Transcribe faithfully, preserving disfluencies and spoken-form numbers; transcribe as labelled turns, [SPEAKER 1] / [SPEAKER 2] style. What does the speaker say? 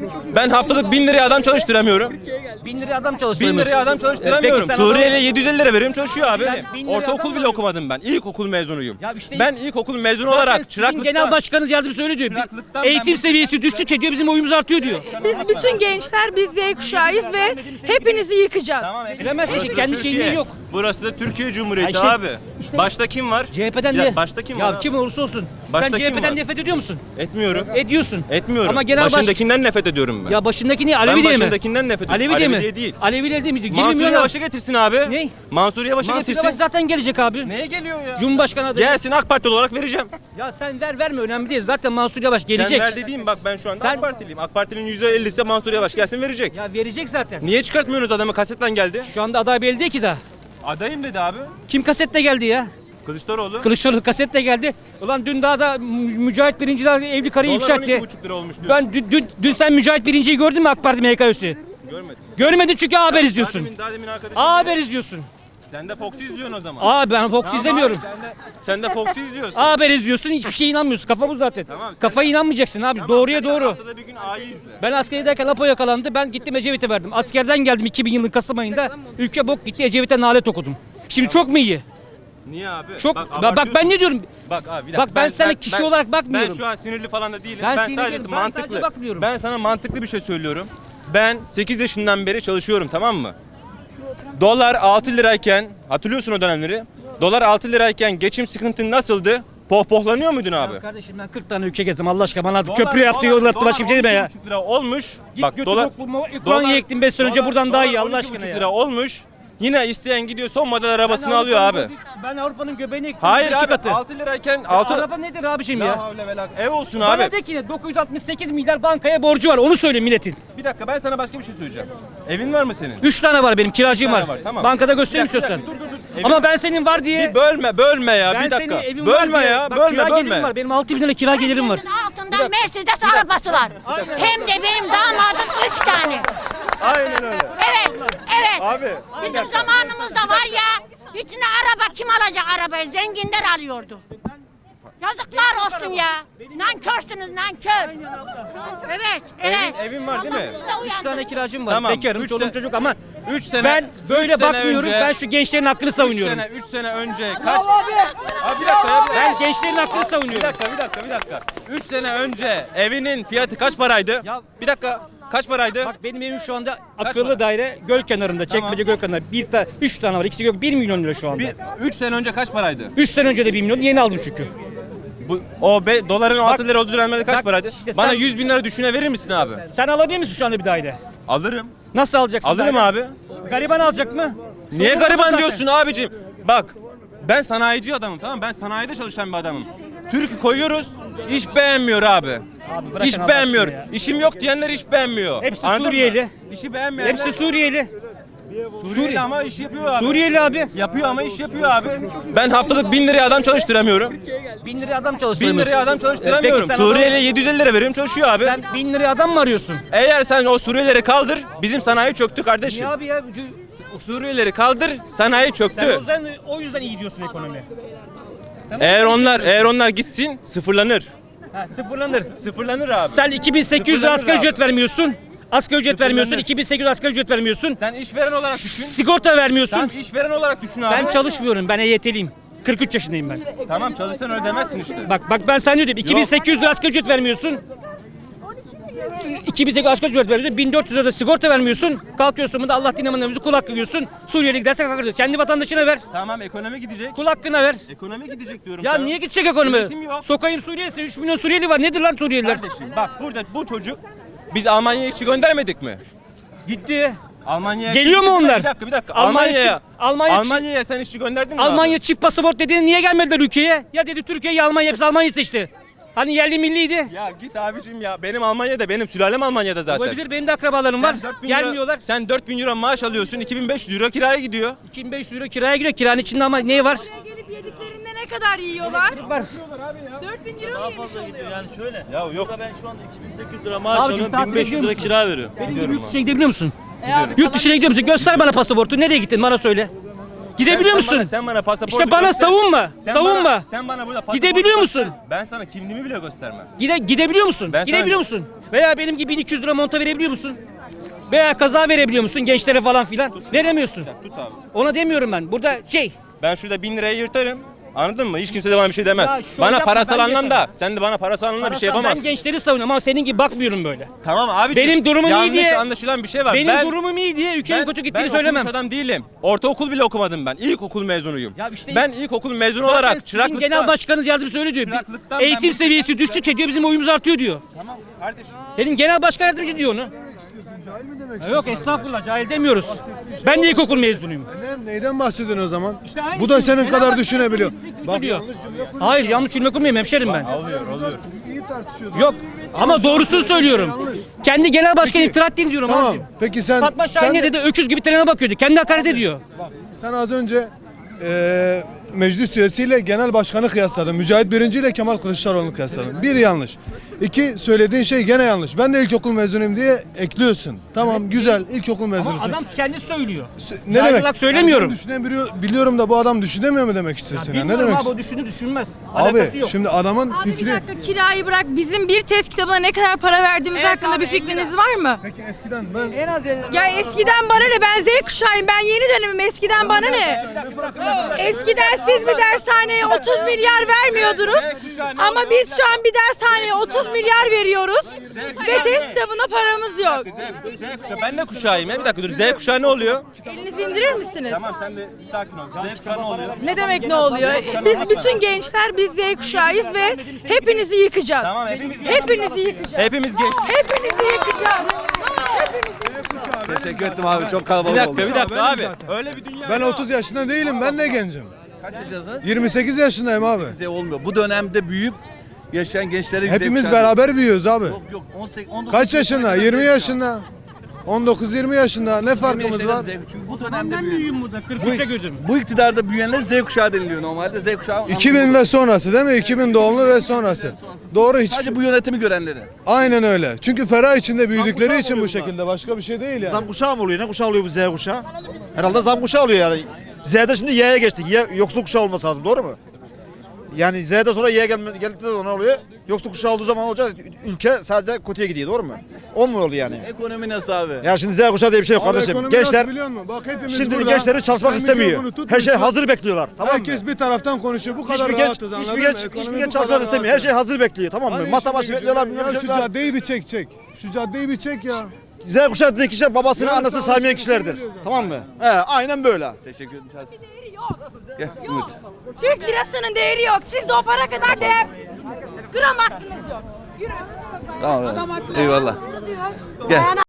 [SPEAKER 1] Ben haftalık bin liraya adam çalıştıramıyorum.
[SPEAKER 2] Bin liraya adam
[SPEAKER 1] Bin
[SPEAKER 2] çalıştıramıyorsun.
[SPEAKER 1] liraya adam çalıştıramıyorum.
[SPEAKER 2] Peki sen
[SPEAKER 1] Suriyeli'ye yedi yüz elli lira veriyorum, çalışıyor abi.
[SPEAKER 2] Sen bin liraya
[SPEAKER 1] Ortaokul
[SPEAKER 2] adam
[SPEAKER 1] bile
[SPEAKER 2] mı
[SPEAKER 1] okumadım ben. İlkokul mezunuyum.
[SPEAKER 2] Ya işte-
[SPEAKER 1] ben ilkokul mezunu
[SPEAKER 2] Zaten
[SPEAKER 1] olarak
[SPEAKER 2] sizin
[SPEAKER 1] çıraklıktan...
[SPEAKER 2] genel başkanınız yardımcısı öyle diyor.
[SPEAKER 1] Çıraklıktan
[SPEAKER 2] Eğitim
[SPEAKER 1] ben-
[SPEAKER 2] seviyesi düştükçe diyor bizim oyumuz artıyor diyor.
[SPEAKER 3] Biz bütün gençler biz Z kuşağıyız ve hepinizi yıkacağız.
[SPEAKER 1] Tamam,
[SPEAKER 2] Bilemezsin
[SPEAKER 1] burası
[SPEAKER 2] ki,
[SPEAKER 1] da
[SPEAKER 2] kendi
[SPEAKER 1] Türkiye.
[SPEAKER 2] şeyliği yok.
[SPEAKER 1] Burası da Türkiye Cumhuriyeti
[SPEAKER 2] Ya işte-
[SPEAKER 1] abi.
[SPEAKER 2] işte-
[SPEAKER 1] Başta kim var?
[SPEAKER 2] C H P'den
[SPEAKER 1] ya,
[SPEAKER 2] de.
[SPEAKER 1] Başta kim
[SPEAKER 2] ya
[SPEAKER 1] var?
[SPEAKER 2] kim olursa olsun.
[SPEAKER 1] Başta
[SPEAKER 2] Sen
[SPEAKER 1] kim
[SPEAKER 2] C H P'den
[SPEAKER 1] var?
[SPEAKER 2] nefret ediyor musun?
[SPEAKER 1] Etmiyorum.
[SPEAKER 2] Ediyorsun.
[SPEAKER 1] Etmiyorum.
[SPEAKER 2] Ama genel baş...
[SPEAKER 1] Başındakinden nefret ediyorum ben.
[SPEAKER 2] Ya başındaki niye?
[SPEAKER 1] ben
[SPEAKER 2] Alevi diye mi?
[SPEAKER 1] başındakinden nefret ediyorum.
[SPEAKER 2] Alevi diye mi?
[SPEAKER 1] diye değil.
[SPEAKER 2] Aleviler değil mi? Yirmi
[SPEAKER 1] Mansur
[SPEAKER 2] milyon-
[SPEAKER 1] Yavaş'ı getirsin abi.
[SPEAKER 2] Ne?
[SPEAKER 1] Mansur Yavaş'ı
[SPEAKER 2] Mansur
[SPEAKER 1] getirsin.
[SPEAKER 2] Yavaş zaten gelecek abi.
[SPEAKER 1] Neye geliyor ya?
[SPEAKER 2] Cumhurbaşkanı adayı.
[SPEAKER 1] Gelsin, AK Parti olarak vereceğim.
[SPEAKER 2] Ya sen ver verme önemli değil. Zaten Mansur Yavaş gelecek.
[SPEAKER 1] Sen ver dediğim, bak ben şu anda
[SPEAKER 2] Sen-
[SPEAKER 1] AK Partiliyim. AK Parti'nin yüzde ellisi Mansur Yavaş gelsin, verecek.
[SPEAKER 2] Ya verecek zaten.
[SPEAKER 1] Niye çıkartmıyorsunuz adamı? Kasetle geldi.
[SPEAKER 2] Şu anda aday belli değil ki daha.
[SPEAKER 1] Adayım dedi abi.
[SPEAKER 2] Kim kasetle geldi ya?
[SPEAKER 1] Kılıçdaroğlu.
[SPEAKER 2] Kılıçdaroğlu kasetle geldi. Ulan dün daha da Mücahit Birinci daha evli karıyı ifşa
[SPEAKER 1] Dolar on iki
[SPEAKER 2] etti.
[SPEAKER 1] buçuk lira olmuş diyor.
[SPEAKER 2] Ben dün, dün, dün sen Mücahit Birinci'yi gördün mü AK Parti M H K üyesi?
[SPEAKER 1] Görmedim.
[SPEAKER 2] Görmedin çünkü A Haber izliyorsun.
[SPEAKER 1] Daha demin, daha demin arkadaşım
[SPEAKER 2] A
[SPEAKER 1] dedi.
[SPEAKER 2] Haber izliyorsun.
[SPEAKER 1] Sen de Fox'u izliyorsun o zaman.
[SPEAKER 2] Aa ben Fox
[SPEAKER 1] Tamam
[SPEAKER 2] izlemiyorum.
[SPEAKER 1] abi, sen de, sen de Fox'u izliyorsun.
[SPEAKER 2] A Haber izliyorsun hiçbir şeye inanmıyorsun. Kafa bu zaten.
[SPEAKER 1] Tamam, sen-
[SPEAKER 2] Kafaya inanmayacaksın abi.
[SPEAKER 1] Tamam,
[SPEAKER 2] Doğruya
[SPEAKER 1] sen de
[SPEAKER 2] doğru.
[SPEAKER 1] Haftada bir gün A'yı izle.
[SPEAKER 2] Ben askerideyken Apo yakalandı. Ben gittim Ecevit'e verdim. Askerden geldim iki bin yılın Kasım ayında. Ülke bok gitti, Ecevit'e nalet okudum. Şimdi çok mu iyi?
[SPEAKER 1] Niye abi?
[SPEAKER 2] Çok. Bak, bak ben
[SPEAKER 1] abartıyorsun.
[SPEAKER 2] ne diyorum?
[SPEAKER 1] Bak abi bir dakika.
[SPEAKER 2] Bak ben sana kişi olarak bakmıyorum.
[SPEAKER 1] Ben şu an sinirli falan da değilim.
[SPEAKER 2] Ben
[SPEAKER 1] Ben,
[SPEAKER 2] sinirliyim,
[SPEAKER 1] sadece
[SPEAKER 2] ben
[SPEAKER 1] mantıklı.
[SPEAKER 2] sadece bakmıyorum.
[SPEAKER 1] Ben sana mantıklı bir şey söylüyorum. Ben sekiz yaşından beri çalışıyorum, tamam mı? Dolar altı lirayken, hatırlıyorsun o dönemleri. Dolar altı lirayken geçim sıkıntın nasıldı? Pohpohlanıyor muydun abi?
[SPEAKER 2] Ya kardeşim ben kırk tane ülke gezdim Allah aşkına bana
[SPEAKER 1] Dolar-
[SPEAKER 2] köprü yaptı
[SPEAKER 1] dolar-
[SPEAKER 2] yol yaptı
[SPEAKER 1] dolar
[SPEAKER 2] başka bir şey deme ya.
[SPEAKER 1] on iki buçuk lira olmuş.
[SPEAKER 2] Git
[SPEAKER 1] Bak
[SPEAKER 2] götür
[SPEAKER 1] dolar
[SPEAKER 2] okulu, Ukrayna'ya ektim beş sene önce
[SPEAKER 1] dolar-
[SPEAKER 2] buradan daha iyi
[SPEAKER 1] dolar
[SPEAKER 2] Allah
[SPEAKER 1] on iki
[SPEAKER 2] aşkına
[SPEAKER 1] buçuk
[SPEAKER 2] ya.
[SPEAKER 1] lira olmuş. Yine isteyen gidiyor son model arabasını alıyor abi.
[SPEAKER 2] Avrupa'nın- Ben Avrupa'nın göbeğini ektim.
[SPEAKER 1] Hayır
[SPEAKER 2] iki
[SPEAKER 1] abi
[SPEAKER 2] katı.
[SPEAKER 1] altı lirayken
[SPEAKER 2] Ya
[SPEAKER 1] altı
[SPEAKER 2] Araba nedir abiciğim
[SPEAKER 1] La
[SPEAKER 2] ya?
[SPEAKER 1] havle ve la- Ev olsun
[SPEAKER 2] Bana
[SPEAKER 1] abi.
[SPEAKER 2] de ki dokuz yüz altmış sekiz milyar bankaya borcu var onu söyle milletin.
[SPEAKER 1] Bir dakika, ben sana başka bir şey söyleyeceğim. Evin var mı senin?
[SPEAKER 2] üç tane var benim kiracıyım
[SPEAKER 1] Üç
[SPEAKER 2] var.
[SPEAKER 1] tane var, tamam.
[SPEAKER 2] Bankada
[SPEAKER 1] Bir
[SPEAKER 2] göstereyim
[SPEAKER 1] dakika,
[SPEAKER 2] istiyorsan.
[SPEAKER 1] bir dakika, dur, dur, dur.
[SPEAKER 2] Ama ben senin var diye.
[SPEAKER 1] Bir bölme, bölme ya.
[SPEAKER 2] ben
[SPEAKER 1] bir dakika.
[SPEAKER 2] senin evin var
[SPEAKER 1] Bölme
[SPEAKER 2] diye.
[SPEAKER 1] ya,
[SPEAKER 2] Bak,
[SPEAKER 1] bölme,
[SPEAKER 2] kira gelirim
[SPEAKER 1] bölme.
[SPEAKER 2] var. Benim altı bin lira kira gelirim var.
[SPEAKER 4] Herkesin altında Mercedes arabası var. Hem de benim damadım üç tane.
[SPEAKER 1] Aynen öyle.
[SPEAKER 4] Evet, evet.
[SPEAKER 1] Abi.
[SPEAKER 4] Bizim zamanımızda var ya, bütün araba kim alacak arabayı? Zenginler alıyordu. Yazıklar olsun ya. Nankörsünüz nankör. Evet, evet.
[SPEAKER 1] evin var değil mi?
[SPEAKER 4] Allah sizi de
[SPEAKER 2] üç
[SPEAKER 4] uyandırsın.
[SPEAKER 2] tane kiracım var.
[SPEAKER 1] Tamam,
[SPEAKER 2] Bekarım,
[SPEAKER 1] üç
[SPEAKER 2] çoluğum
[SPEAKER 1] sene-
[SPEAKER 2] çocuk ama
[SPEAKER 1] üç sene
[SPEAKER 2] ben böyle
[SPEAKER 1] üç sene
[SPEAKER 2] bakmıyorum.
[SPEAKER 1] önce-
[SPEAKER 2] Ben şu gençlerin hakkını
[SPEAKER 1] üç
[SPEAKER 2] savunuyorum.
[SPEAKER 1] sene, üç sene önce kaç? Abi bir dakika ya. Bir dakika.
[SPEAKER 2] Ben gençlerin hakkını
[SPEAKER 1] Bir
[SPEAKER 2] savunuyorum.
[SPEAKER 1] dakika, bir dakika, bir dakika. üç sene önce evinin fiyatı kaç paraydı?
[SPEAKER 2] Ya-
[SPEAKER 1] Bir dakika. Kaç paraydı?
[SPEAKER 2] Bak benim evim şu anda
[SPEAKER 1] para?
[SPEAKER 2] akıllı daire göl kenarında,
[SPEAKER 1] Tamam.
[SPEAKER 2] Çekmece göl kenarında. Bir ta, üç tane var. İkisi gök bir milyon lira şu anda.
[SPEAKER 1] Bir üç sene önce kaç paraydı?
[SPEAKER 2] Üç sene önce de bir milyon yeni aldım çünkü.
[SPEAKER 1] Bu o be, doların altı lira olduğu dönemlerde kaç
[SPEAKER 2] bak
[SPEAKER 1] paraydı?
[SPEAKER 2] işte
[SPEAKER 1] Bana
[SPEAKER 2] sen-
[SPEAKER 1] yüz bin lira düşüne verir misin abi?
[SPEAKER 2] Sen alabilir misin şu anda bir daire?
[SPEAKER 1] Alırım.
[SPEAKER 2] Nasıl alacaksın?
[SPEAKER 1] Alırım
[SPEAKER 2] daire?
[SPEAKER 1] abi.
[SPEAKER 2] Gariban alacak mı?
[SPEAKER 1] Niye
[SPEAKER 2] Sorun
[SPEAKER 1] gariban
[SPEAKER 2] zaten.
[SPEAKER 1] diyorsun abicim? Bak, ben sanayici adamım, tamam mı? Ben sanayide çalışan bir adamım. Türk'ü koyuyoruz, iş beğenmiyor abi.
[SPEAKER 2] Abi bırakın
[SPEAKER 1] İş
[SPEAKER 2] Allah
[SPEAKER 1] beğenmiyor.
[SPEAKER 2] aşkına ya.
[SPEAKER 1] İşim yok diyenler iş beğenmiyor.
[SPEAKER 2] Hepsi
[SPEAKER 1] Anladın mı?
[SPEAKER 2] Suriyeli.
[SPEAKER 1] İşi beğenmeyenler.
[SPEAKER 2] Hepsi Suriyeli.
[SPEAKER 1] Suriyeli ama iş yapıyor abi.
[SPEAKER 2] Suriyeli abi.
[SPEAKER 1] Yapıyor ama iş yapıyor abi. Ben haftalık bin liraya adam çalıştıramıyorum.
[SPEAKER 2] Bin liraya adam
[SPEAKER 1] Bin
[SPEAKER 2] çalıştıramıyorsun.
[SPEAKER 1] liraya adam çalıştıramıyorum.
[SPEAKER 2] Peki sen
[SPEAKER 1] Suriyeli'ye yedi yüz elli lira veriyorum, çalışıyor abi.
[SPEAKER 2] Sen bin liraya adam mı arıyorsun?
[SPEAKER 1] Eğer sen o Suriyelileri kaldır, bizim sanayi çöktü kardeşim.
[SPEAKER 2] Niye abi ya?
[SPEAKER 1] O Suriyelileri kaldır, sanayi
[SPEAKER 2] Sen
[SPEAKER 1] çöktü.
[SPEAKER 2] o yüzden, o yüzden iyi diyorsun ekonomi. Sen
[SPEAKER 1] Eğer onlar eğer onlar gitsin sıfırlanır.
[SPEAKER 2] ha, sıfırlanır.
[SPEAKER 1] Sıfırlanır abi.
[SPEAKER 2] Sen iki bin sekiz yüz lira
[SPEAKER 1] Sıfırlanır
[SPEAKER 2] asgari
[SPEAKER 1] abi.
[SPEAKER 2] ücret vermiyorsun. Asgari ücret
[SPEAKER 1] Sıfırlanır.
[SPEAKER 2] vermiyorsun. iki bin sekiz yüz asgari ücret vermiyorsun.
[SPEAKER 1] Sen işveren olarak düşün.
[SPEAKER 2] Sigorta vermiyorsun.
[SPEAKER 1] Sen işveren olarak düşün abi.
[SPEAKER 2] Ben çalışmıyorum. Ben E Y T'liyim. kırk üç yaşındayım ben.
[SPEAKER 1] Tamam, çalışsan öyle demezsin işte.
[SPEAKER 2] Bak bak ben sana ne diyeyim. iki bin sekiz yüz lira asgari ücret vermiyorsun. iki bin sekiz yüz asgari ücret veriyorsun. bin dört yüz lira da sigorta vermiyorsun. Kalkıyorsun burada Allah dinlemeden kul hakkı yiyorsun. Suriyeli giderse kul hakkı yiyorsun. Kendi vatandaşına ver.
[SPEAKER 1] Tamam, ekonomi gidecek.
[SPEAKER 2] Kul hakkına ver.
[SPEAKER 1] Ekonomi gidecek diyorum
[SPEAKER 2] Ya
[SPEAKER 1] sana.
[SPEAKER 2] niye gidecek ekonomi?
[SPEAKER 1] Yönetim yok.
[SPEAKER 2] Sokayım Suriyelisi. üç milyon Suriyeli var. Nedir lan Suriyeliler?
[SPEAKER 1] Kardeşim bak, burada bu çocuk biz Almanya'ya işçi göndermedik mi?
[SPEAKER 2] Gitti.
[SPEAKER 1] Almanya'ya
[SPEAKER 2] Geliyor mu onlar?
[SPEAKER 1] Bir dakika, bir dakika.
[SPEAKER 2] Almanya
[SPEAKER 1] Almanya'ya
[SPEAKER 2] çift- Almanya çift-
[SPEAKER 1] Almanya'ya sen işçi gönderdin mi
[SPEAKER 2] Almanya
[SPEAKER 1] abi?
[SPEAKER 2] çift pasaport dediğin niye gelmediler ülkeye? Ya dedi Türkiye ya Almanya, hepsi Almanya seçti. Hani yerli milliydi.
[SPEAKER 1] Ya git abicim ya. Benim Almanya'da, benim sülalem Almanya'da zaten.
[SPEAKER 2] Olabilir, benim de akrabalarım var.
[SPEAKER 1] Sen dört bin euro-
[SPEAKER 2] Gelmiyorlar.
[SPEAKER 1] sen dört bin euro maaş alıyorsun, iki bin beş yüz euro kiraya gidiyor.
[SPEAKER 2] iki bin beş yüz euro kiraya giriyor. Kiranın içinde ama ne var?
[SPEAKER 3] Buraya gelip yediklerinde ne kadar yiyorlar?
[SPEAKER 2] Var.
[SPEAKER 3] dört bin euro mu yemiş oluyor?
[SPEAKER 5] Yani şöyle.
[SPEAKER 1] Ya yok.
[SPEAKER 5] Burada ben şu anda iki bin sekiz yüz lira maaş
[SPEAKER 2] Abicim,
[SPEAKER 5] alıyorum,
[SPEAKER 2] tatil
[SPEAKER 5] bin beş yüz
[SPEAKER 2] ediyor
[SPEAKER 5] lira
[SPEAKER 2] musun?
[SPEAKER 5] kira veriyorum.
[SPEAKER 2] Benim gibi
[SPEAKER 1] Gidiyorum
[SPEAKER 2] yurt dışına gidebiliyor musun?
[SPEAKER 3] E
[SPEAKER 2] Yurt dışına gidiyor musun? Göster bana pasaportu. Nereye gittin? Bana söyle. Gidebiliyor
[SPEAKER 1] Sen-
[SPEAKER 2] musun?
[SPEAKER 1] Sen bana, sen bana pasaportu
[SPEAKER 2] İşte bana
[SPEAKER 1] göster.
[SPEAKER 2] savunma.
[SPEAKER 1] Sen
[SPEAKER 2] savunma.
[SPEAKER 1] Bana, sen bana burada pasaportu
[SPEAKER 2] Gidebiliyor
[SPEAKER 1] göster.
[SPEAKER 2] musun?
[SPEAKER 1] Ben sana kimliğimi bile göstermem.
[SPEAKER 2] Gide gidebiliyor musun?
[SPEAKER 1] Ben sana-
[SPEAKER 2] Gidebiliyor musun? Veya benim gibi bin iki yüz lira monta verebiliyor musun? Veya kaza verebiliyor musun gençlere falan filan? Veremiyorsun.
[SPEAKER 1] Tut abi.
[SPEAKER 2] Ona demiyorum ben. Burada şey,
[SPEAKER 1] Ben şurada bin liraya yırtarım. Anladın mı? Hiç kimse de bana bir şey demez.
[SPEAKER 2] Ya şöyle
[SPEAKER 1] Bana
[SPEAKER 2] yapma,
[SPEAKER 1] parasal
[SPEAKER 2] ben
[SPEAKER 1] anlamda,
[SPEAKER 2] yaparım.
[SPEAKER 1] sen de bana parasal anlamda bir şey
[SPEAKER 2] parasal, ben
[SPEAKER 1] yapamazsın.
[SPEAKER 2] gençleri savunuyorum ama senin gibi bakmıyorum böyle.
[SPEAKER 1] Tamam abi.
[SPEAKER 2] Benim durumum iyi
[SPEAKER 1] yanlış
[SPEAKER 2] diye-
[SPEAKER 1] anlaşılan bir şey var.
[SPEAKER 2] Benim
[SPEAKER 1] ben,
[SPEAKER 2] durumum iyi diye ülkenin kötü gittiğini
[SPEAKER 1] ben
[SPEAKER 2] söylemem.
[SPEAKER 1] okumuş adam değilim. Ortaokul bile okumadım ben. İlkokul mezunuyum.
[SPEAKER 2] Ya işte-
[SPEAKER 1] ben ilkokul mezunu
[SPEAKER 2] Zaten
[SPEAKER 1] olarak
[SPEAKER 2] sizin
[SPEAKER 1] çıraklıktan...
[SPEAKER 2] genel başkanınız yardımcısı öyle diyor. Bir
[SPEAKER 1] Çıraklıktan
[SPEAKER 2] eğitim
[SPEAKER 1] ben bu-
[SPEAKER 2] seviyesi düştükçe diyor bizim oyumuz artıyor diyor.
[SPEAKER 1] Tamam kardeşim.
[SPEAKER 2] Senin genel başkan yardımcı diyor onu. Ya yok estağfurullah cahil demiyoruz. Ben de ilkokul mezunuyum.
[SPEAKER 5] Ne, neyden bahsediyorsun o zaman?
[SPEAKER 2] İşte aynı
[SPEAKER 5] Bu da
[SPEAKER 2] şey.
[SPEAKER 5] senin
[SPEAKER 2] Genel
[SPEAKER 5] kadar
[SPEAKER 2] başkan
[SPEAKER 5] düşünebiliyor.
[SPEAKER 2] sizi kötü
[SPEAKER 5] Bak
[SPEAKER 2] diyor.
[SPEAKER 5] yanlış cümle kur-
[SPEAKER 2] Hayır yanlış cümle kurmayayım hemşerim ben.
[SPEAKER 5] iyi tartışıyordun.
[SPEAKER 2] Yok ama doğrusunu söylüyorum. Kendi genel başkan iftira ettiğini diyorum
[SPEAKER 5] Tamam.
[SPEAKER 2] abicim.
[SPEAKER 5] Peki sen
[SPEAKER 2] Fatma Şahin
[SPEAKER 5] sen,
[SPEAKER 2] ne dedi? Öküz gibi trene bakıyordu. Kendi hakaret ediyor.
[SPEAKER 5] sen az önce eee meclis üyesiyle genel başkanı kıyasladın. Mücahit Birinci ile Kemal Kılıçdaroğlu'nu kıyasladın. Bir yanlış. İki söylediğin şey gene yanlış. Ben de ilkokul mezunuyum diye ekliyorsun. Tamam güzel ilkokul
[SPEAKER 2] Ama
[SPEAKER 5] mezunusun.
[SPEAKER 2] adam kendisi söylüyor.
[SPEAKER 5] ne
[SPEAKER 2] Cahil
[SPEAKER 5] demek?
[SPEAKER 2] olarak söylemiyorum.
[SPEAKER 5] Yani ben düşünebiliyor, biliyorum da bu adam düşünemiyor mu demek istiyorsun? ya? Ne
[SPEAKER 2] Bilmiyorum
[SPEAKER 5] demek?
[SPEAKER 2] abi o düşünür düşünmez.
[SPEAKER 5] Abi
[SPEAKER 2] Alakası yok.
[SPEAKER 5] şimdi adamın
[SPEAKER 3] Abi bir
[SPEAKER 5] fikri...
[SPEAKER 3] dakika, kirayı bırak. Bizim bir test kitabına ne kadar para verdiğimiz hakkında bir fikriniz var mı?
[SPEAKER 5] Peki eskiden ben...
[SPEAKER 3] Ya eskiden bana ne? Ben Z kuşağıyım. Ben yeni dönemim. Eskiden bana ne? Eskiden siz bir dershaneye otuz milyar vermiyordunuz. Ama biz şu an bir dershaneye otuz milyar veriyoruz. Ve test kitabına paramız yok.
[SPEAKER 1] Z, Z kuşağı. Ben ne kuşağıyım ya? Bir dakika dur. Z kuşağı ne oluyor?
[SPEAKER 3] Elinizi indirir misiniz?
[SPEAKER 1] Tamam sen de sakin ol. Z kuşağı ne oluyor?
[SPEAKER 3] Ne demek ne oluyor? Biz bütün gençler biz Z kuşağıyız ve hepinizi yıkacağız.
[SPEAKER 1] Tamam, hepimiz-
[SPEAKER 3] Hepinizi yıkacağız.
[SPEAKER 1] Hepimiz geç.
[SPEAKER 3] Hepinizi yıkacağız.
[SPEAKER 6] Teşekkür ettim abi çok
[SPEAKER 1] Bir
[SPEAKER 6] kalabalık
[SPEAKER 1] dakika
[SPEAKER 6] oldu.
[SPEAKER 1] bir dakika
[SPEAKER 5] Benim
[SPEAKER 1] abi.
[SPEAKER 5] zaten.
[SPEAKER 1] Öyle bir dünya
[SPEAKER 5] Ben
[SPEAKER 1] yok.
[SPEAKER 5] otuz yaşında değilim. Ben ne gencim?
[SPEAKER 6] Kaç yaşındasınız?
[SPEAKER 5] yirmi sekiz yaşındayım abi.
[SPEAKER 6] Bize olmuyor. Bu dönemde büyüyüp yaşayan gençlere
[SPEAKER 5] Hepimiz beraber büyüyoruz abi.
[SPEAKER 6] Yok yok on sekiz on dokuz
[SPEAKER 5] Kaç yaşında? yirmi yaşında. on dokuz yirmi yaşında. Ne farkımız var?
[SPEAKER 6] Çünkü bu dönemde
[SPEAKER 2] Ben
[SPEAKER 6] büyüyen.
[SPEAKER 2] büyüğüm burada. kırk üçe gördüm.
[SPEAKER 6] Bu iktidarda büyüyenler Z kuşağı deniliyor normalde. Z kuşağı
[SPEAKER 5] iki bin ve sonrası değil mi? iki bin doğumlu ve sonrası. Doğru hiç.
[SPEAKER 6] sadece bu yönetimi görenleri.
[SPEAKER 5] Aynen öyle. Çünkü ferah içinde büyüdükleri için bu şekilde. Başka bir şey değil yani.
[SPEAKER 7] Zam kuşağı mı oluyor? Ne kuşağı oluyor bu Z kuşağı? Herhalde zam kuşağı oluyor yani. Z'de şimdi Y'ye geçtik. Y yoksulluk kuşağı olması lazım. Doğru mu? Yani Z'de sonra Y gelme, geldikten sonra ne oluyor? Yoksulluk kuşağı olduğu zaman olacak. Ülke sadece kötüye gidiyor. Doğru mu? O mu oluyor yani?
[SPEAKER 6] Ekonomi nasıl abi?
[SPEAKER 7] Ya şimdi Z kuşağı diye bir şey yok
[SPEAKER 5] Abi
[SPEAKER 7] kardeşim.
[SPEAKER 5] ekonomi
[SPEAKER 7] Gençler
[SPEAKER 5] nasıl biliyor musun? Bak hepimiz
[SPEAKER 7] şimdi
[SPEAKER 5] burada.
[SPEAKER 7] gençleri çalışmak
[SPEAKER 5] Sen
[SPEAKER 7] istemiyor.
[SPEAKER 5] mikrofonu tut,
[SPEAKER 7] Her şey
[SPEAKER 5] tut.
[SPEAKER 7] hazır bekliyorlar. Tamam mı?
[SPEAKER 5] Herkes bir taraftan konuşuyor. Bu kadar
[SPEAKER 7] Hiçbir genç,
[SPEAKER 5] rahatız anladın
[SPEAKER 7] hiçbir
[SPEAKER 5] mı?
[SPEAKER 7] genç,
[SPEAKER 5] Ekonomi
[SPEAKER 7] hiçbir
[SPEAKER 5] bu
[SPEAKER 7] genç
[SPEAKER 5] kadar
[SPEAKER 7] çalışmak istemiyor. Her
[SPEAKER 5] rahat.
[SPEAKER 7] şey hazır bekliyor. Tamam mı?
[SPEAKER 5] Hani
[SPEAKER 7] Masa
[SPEAKER 5] işine
[SPEAKER 7] başı
[SPEAKER 5] gücüne-
[SPEAKER 7] bekliyorlar. bilmem
[SPEAKER 5] Ya
[SPEAKER 7] ne
[SPEAKER 5] şu
[SPEAKER 7] yapıyorlar.
[SPEAKER 5] caddeyi bir çek çek. Şu caddeyi bir çek ya.
[SPEAKER 7] Z kuşağı dediği kişiler babasını,
[SPEAKER 5] Ya
[SPEAKER 7] anasını
[SPEAKER 5] sağ ol,
[SPEAKER 7] saymayan
[SPEAKER 5] şey
[SPEAKER 7] kişilerdir.
[SPEAKER 5] söylüyoruz.
[SPEAKER 7] Tamam mı? He, aynen böyle.
[SPEAKER 6] Teşekkür ederim. Şahs-
[SPEAKER 3] Değeri yok.
[SPEAKER 6] Gel Ümit.
[SPEAKER 3] Türk lirasının değeri yok. Siz de o para kadar değersiz. Gram hakkınız yok. Yürü.
[SPEAKER 6] Tamam. Eyvallah. Gel.